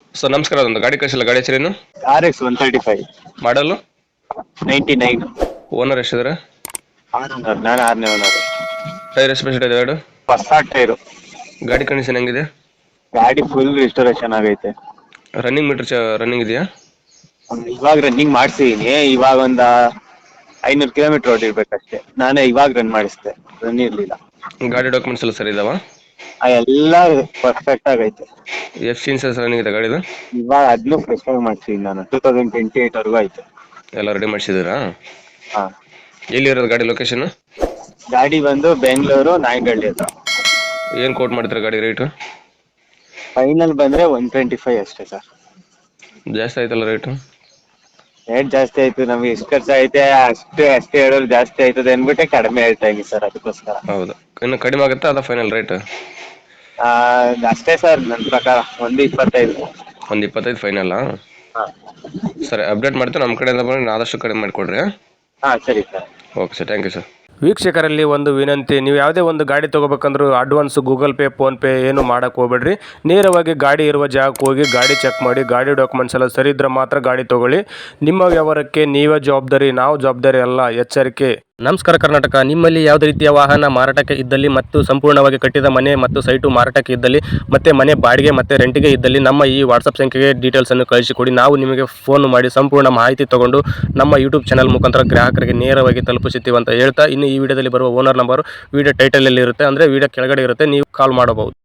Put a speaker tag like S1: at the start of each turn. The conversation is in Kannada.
S1: ಸರ್ ನಮಸ್ಕಾರ, ಅದೊಂದು ಗಾಡಿ ಕಳಿಸಿಲ್ಲ, ಗಾಡಿ ಹೆಸರೇನು?
S2: RX 135
S1: ಮಾಡಲು
S2: 99.
S1: ಓನರ್ ಎಷ್ಟಿದ್ದಾರೆ?
S2: ನಾನು 6ನೇ ಓನರ್.
S1: ಟೈರ್ ಎಷ್ಟು ಇದೆ ಎರಡು?
S2: ಹೊಸ ಟೈರು.
S1: ಗಾಡಿ ಕಂಡೀಷನ್ ಹೆಂಗಿದೆ?
S2: ಗಾಡಿ ಫುಲ್ ರಿಸ್ಟೋರೇಷನ್ ಆಗೈತೆ.
S1: ರನ್ನಿಂಗ್ ಮೀಟರ್ ರನ್ನಿಂಗ್ ಇದೆಯಾ?
S2: ಇವಾಗ ರನ್ನಿಂಗ್ ಮಾಡ್ಸಿದೀನಿ. ಇವಾಗ ಒಂದ 500 ಕಿಲೋಮೀಟರ್ ಓಡಿರ್ಬೇಕಷ್ಟೇ. ನಾನೇ ಇವಾಗ ರನ್ ಮಾಡಿಸ್ದೆ, ರನ್ ಇರ್ಲಿಲ್ಲ.
S1: ಗಾಡಿ ಡಾಕ್ಯುಮೆಂಟ್ಸ್ ಎಲ್ಲ ಸರಿ ಇದಾವ?
S2: ಎಲ್ಲ ಪರ್ಫೆಕ್ಟ್ ಆಗೈತೆ.
S1: ಎಫ್ ಸಿ ಇನ್ಸೂರೆನ್ಸ್ ರನ್ನಿಂಗ್ ಇದೆ ಗಾಡಿದು?
S2: ಇವಾಗ ಅದನ್ನು ಫ್ರೆಶ್ ಆಗಿ ಮಾಡ್ಸಿದೀನಿ ನಾನು. 2028 ವರ್ಗೂ ಆಯ್ತು.
S1: ಎಲ್ಲ ರೆಡಿ ಮಾಡಿಸಿದ್ದೀರಾ?
S2: ಹಾ.
S1: ಎಲ್ಲಿ ಇರೋದು ಗಾಡಿ ಲೊಕೇಶನ್?
S2: ಗಾಡಿ ಬಂದು ಬೆಂಗಳೂರು ನಾಯಂಡಹಳ್ಳಿ ಹತ್ರ.
S1: ಏನು ಕೋಟ್ ಮಾಡ್ತೀರಾ ಗಾಡಿ ರೇಟು?
S2: ಫೈನಲ್ ಬಂದ್ರೆ 125 ಅಷ್ಟೇ ಸರ್.
S1: ಜಾಸ್ತಿ ಆಯ್ತಲ್ಲ ರೇಟು?
S2: ರೇಟ್ ಜಾಸ್ತಿ ಆಯ್ತು, ನಮ್ಗೆ ಎಷ್ಟು ಖರ್ಚು ಐತೆ ಅಷ್ಟೇ ಹೇಳೋರು ಜಾಸ್ತಿ ಆಯ್ತದೆ ಅನ್ಬಿಟ್ಟೆ ಕಡಿಮೆ ಹೇಳ್ತಾ ಇದೀನಿ ಸರ್, ಅದಕ್ಕೋಸ್ಕರ.
S1: ಹೌದು, ಇನ್ನು ಕಡಿಮೆ ಆಗುತ್ತಾ ಅದ ಫೈನಲ್ ರೇಟ್?
S2: ಅಷ್ಟೇ ಸರ್, ನನ್ನ ಪ್ರಕಾರ 125.
S1: 125 ಫೈನಲ್ಲಾ?
S2: ಹಾ.
S1: ಸರಿ, ಅಪ್ಡೇಟ್ ಮಾಡ್ತೀನಿ. ನಮ್ಮ ಕಡೆಯಿಂದ ಬಂದು ಆದಷ್ಟು ಕಡಿಮೆ ಮಾಡಿಕೊಡ್ರಿ.
S2: ಹಾ ಸರಿ sir.
S1: Okay sir, thank you sir.
S3: ವೀಕ್ಷಕರಲ್ಲಿ ಒಂದು ವಿನಂತಿ, ನೀವು ಯಾವುದೇ ಒಂದು ಗಾಡಿ ತೊಗೋಬೇಕಂದ್ರೂ ಅಡ್ವಾನ್ಸ್ ಗೂಗಲ್ ಪೇ ಫೋನ್ಪೇ ಏನು ಮಾಡೋಕ್ಕೆ ಹೋಗ್ಬೇಡ್ರಿ. ನೇರವಾಗಿ ಗಾಡಿ ಇರುವ ಜಾಗಕ್ಕೆ ಹೋಗಿ ಗಾಡಿ ಚೆಕ್ ಮಾಡಿ, ಗಾಡಿ ಡಾಕ್ಯುಮೆಂಟ್ಸ್ ಎಲ್ಲ ಸರಿ ಇದ್ದರೆ ಮಾತ್ರ ಗಾಡಿ ತೊಗೊಳ್ಳಿ. ನಿಮ್ಮ ವ್ಯವಹಾರಕ್ಕೆ ನೀವೇ ಜವಾಬ್ದಾರಿ, ನಾವು ಜವಾಬ್ದಾರಿ ಅಲ್ಲ, ಎಚ್ಚರಿಕೆ. ನಮಸ್ಕಾರ ಕರ್ನಾಟಕ. ನಿಮ್ಮಲ್ಲಿ ಯಾವುದೇ ರೀತಿಯ ವಾಹನ ಮಾರಾಟಕ್ಕೆ ಇದ್ದಲ್ಲಿ ಮತ್ತು ಸಂಪೂರ್ಣವಾಗಿ ಕಟ್ಟಿದ ಮನೆ ಮತ್ತು ಸೈಟು ಮಾರಾಟಕ್ಕೆ ಇದ್ದಲ್ಲಿ ಮತ್ತು ಮನೆ ಬಾಡಿಗೆ ಮತ್ತು ರೆಂಟಿಗೆ ಇದ್ದಲ್ಲಿ ನಮ್ಮ ಈ ವಾಟ್ಸಪ್ ಸಂಖ್ಯೆಗೆ ಡೀಟೇಲ್ಸನ್ನು ಕಳಿಸಿಕೊಡಿ. ನಾವು ನಿಮಗೆ ಫೋನ್ ಮಾಡಿ ಸಂಪೂರ್ಣ ಮಾಹಿತಿ ತಗೊಂಡು ನಮ್ಮ ಯೂಟ್ಯೂಬ್ ಚಾನಲ್ ಮುಖಾಂತರ ಗ್ರಾಹಕರಿಗೆ ನೇರವಾಗಿ ತಲುಪಿಸುತ್ತೀವಿ ಅಂತ ಹೇಳ್ತಾ, ಇನ್ನು ಈ ವಿಡಿಯೋದಲ್ಲಿ ಬರುವ ಓನರ್ ನಂಬರ್ ವಿಡಿಯೋ ಟೈಟಲಲ್ಲಿ ಇರುತ್ತೆ, ಅಂದರೆ ವಿಡಿಯೋ ಕೆಳಗಡೆ ಇರುತ್ತೆ, ನೀವು ಕಾಲ್ ಮಾಡಬಹುದು.